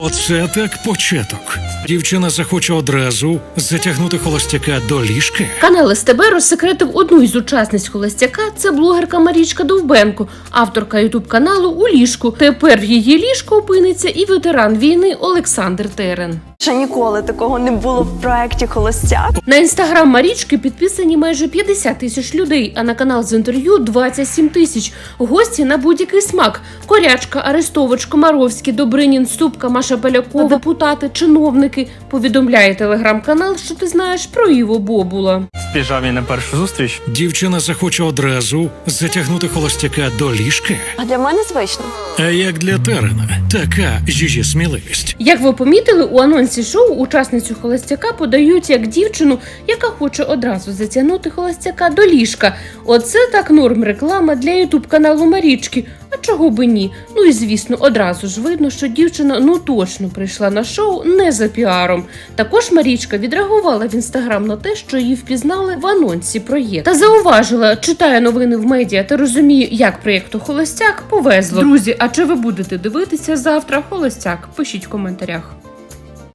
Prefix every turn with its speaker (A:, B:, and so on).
A: Оце так початок. Дівчина захоче одразу затягнути холостяка до ліжка.
B: Канал СТБ розсекретив одну із учасниць холостяка. Це блогерка Марічка Довбенко, авторка ютуб-каналу «У ліжку». Тепер в її ліжку опиниться і ветеран війни Олександр Терен.
C: Ще ніколи такого не було в проєкті «Холостяк».
B: На інстаграм Марічки підписані майже 50 тисяч людей, а на канал з інтерв'ю 27 тисяч. Гості на будь-який смак. Корячка, Арестович, Комаровський, Добринін, Ступка, Маша Полякова, депутати, чиновники. Повідомляє телеграм-канал, що ти знаєш про Іво Бобула.
D: В піжамі на першу зустріч.
A: Дівчина захоче одразу затягнути холостяка до ліжка.
C: А для мене звично.
A: А як для Терена, така її сміливість.
B: Як ви помітили, у анонсі шоу учасницю холостяка подають як дівчину, яка хоче одразу затягнути холостяка до ліжка. Оце так норм реклама для ютуб-каналу Марічки. А чого би ні? Ну і звісно, одразу ж видно, що дівчина точно прийшла на шоу не за піаром. Також Марічка відреагувала в інстаграм на те, що її впізнали в анонсі проєкту. Та зауважила, читає новини в медіа та розуміє, як проєкту «Холостяк» повезло. Друзі, а чи ви будете дивитися завтра «Холостяк»? Пишіть в коментарях.